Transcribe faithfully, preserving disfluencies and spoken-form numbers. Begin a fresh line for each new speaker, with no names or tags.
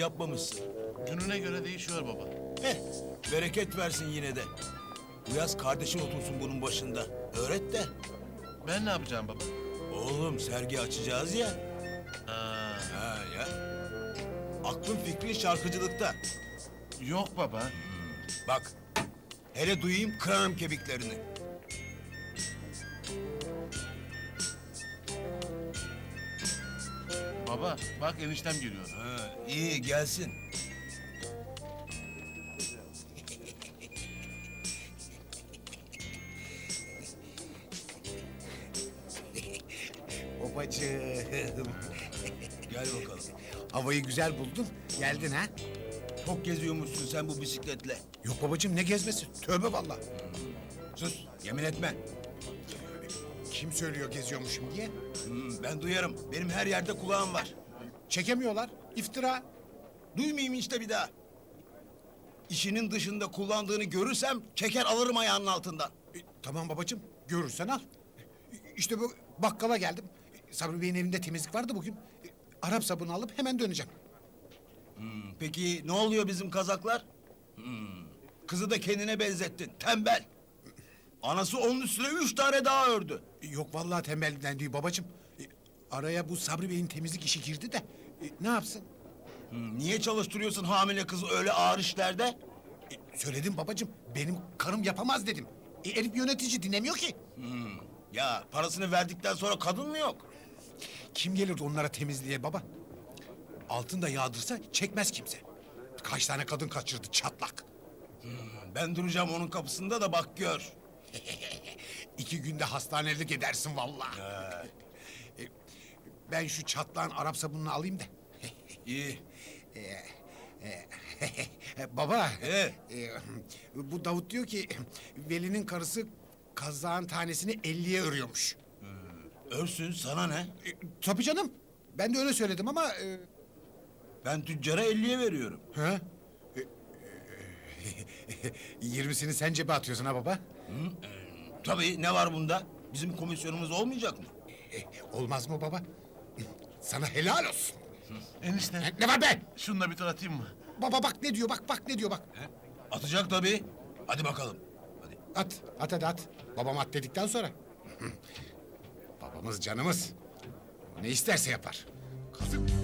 yapmamışsın.
Gününe göre değişiyor baba.
Heh, bereket versin yine de. Bu yaz kardeşin otursun bunun başında. Öğret de.
Ben ne yapacağım baba?
Oğlum sergi açacağız ya.
Ha,
Ha ya. Aklın fikrin şarkıcılıkta.
yok baba.
Bak. Hele duyayım kırarım kemiklerini.
Baba bak eniştem geliyor.
Ha, iyi gelsin.
Babacığım.
Gel bakalım.
Havayı güzel buldun. Geldin ha?
Çok geziyormuşsun sen bu bisikletle.
Yok babacığım ne gezmesi? Tövbe vallahi.
Sus, yemin etme.
Kim söylüyor geziyormuşum diye?
Hmm, ben duyarım. Benim her yerde kulağım var.
Çekemiyorlar. İftira.
Duymayayım işte bir daha. İşinin dışında kullandığını görürsem çeker alırım ayağının altından.
E, tamam babacığım. Görürsen al. E, İşte bu bakkala geldim. E, Sabri Bey'in evinde temizlik vardı bugün. E, Arap sabunu alıp hemen döneceğim.
Peki ne oluyor bizim kazaklar? Hmm, kızı da kendine benzettin. Tembel. Anası onun üstüne üç tane daha ördü.
E, Yok vallahi tembellikten değil babacığım. E, Araya bu Sabri Bey'in temizlik işi girdi de e, ne yapsın?
Hmm, niye çalıştırıyorsun hamile kızı öyle ağır işlerde?
E, Söyledim babacığım. Benim karım yapamaz dedim. E, Elif yönetici dinlemiyor ki.
Ya parasını verdikten sonra kadın mı yok?
Kim gelirdi onlara temizliğe baba? Altın da yağdırsa çekmez kimse. Kaç tane kadın kaçırdı çatlak.
Ben duracağım onun kapısında da bak gör.
İki günde hastanelik edersin vallahi. E, Ben şu çatlağın Arap sabununu alayım da.
İyi.
Baba,
Ee?
e, bu Davut diyor ki Veli'nin karısı kazağın tanesini elliye örüyormuş.
Örsün sana ne?
E, tabii canım. Ben de öyle söyledim ama... E,
Ben tüccara elliye veriyorum.
ha? E, e, Yirmisini sen cebe atıyorsun ha baba?
Tabii ne var bunda? Bizim komisyonumuz olmayacak mı?
E, olmaz mı baba? Sana helal olsun.
Enişte
E, Ne var be?
şununla bir tur atayım mı?
Baba bak ne diyor, bak bak ne diyor bak.
Atacak tabii. Hadi bakalım. Hadi.
At, at hadi at. Babam at dedikten sonra. Babamız canımız. Ne isterse yapar. Kazık